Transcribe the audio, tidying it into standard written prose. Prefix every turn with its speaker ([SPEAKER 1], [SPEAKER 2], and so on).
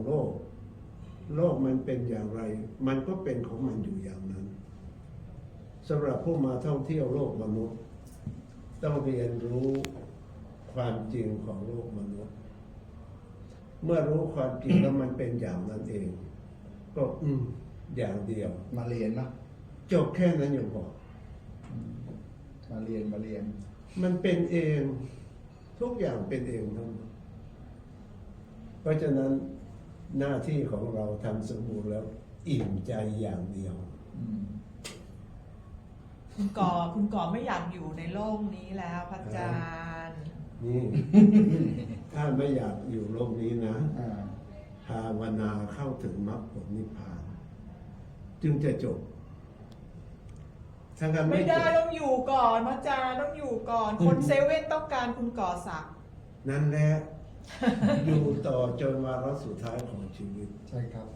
[SPEAKER 1] กโลกมันเป็นอย่างไร มันก็เป็นของมันอยู่อย่างนั้นสำหรับผู้มาท่องเที่ยวโลกมนุษย์ต้องเรียนรู้ความจริงของโลกมนุษย์เมื่อรู้ความจริงแล้วมันเป็นอย่างนั้นเอง ก็อย่างเดียว
[SPEAKER 2] มาเรียนนะ
[SPEAKER 1] จบแค่นั้นอย่างพอ
[SPEAKER 2] มาเรียน
[SPEAKER 1] มันเป็นเองทุกอย่างเป็นเองทั้งหมดเพราะฉะนั้นหน้าที่ของเราทำสมบูรณ์แล้วอิ่มใจอย่างเดียว
[SPEAKER 3] คุณก่อไม่อยากอยู่ในโลกนี้แล้วพระอาจารย์
[SPEAKER 1] นี่ ถ้าไม่อยากอยู่โลกนี้นะภาวนาเข้าถึงมรรคผลนิพพาน จึงจะจบถ้างั้น
[SPEAKER 3] ไม่
[SPEAKER 1] ไม่จ
[SPEAKER 3] ได้
[SPEAKER 1] บ
[SPEAKER 3] ต้องอยู่ก่อนพระอาจารย์ต้องอยู่ก่อน คนเซเว่นต้องการคุณก่อศักดิ์
[SPEAKER 1] นั่นแหละ อยู่ต่อจนวาระสุดท้ายของชีวิต
[SPEAKER 2] ใช่ครับ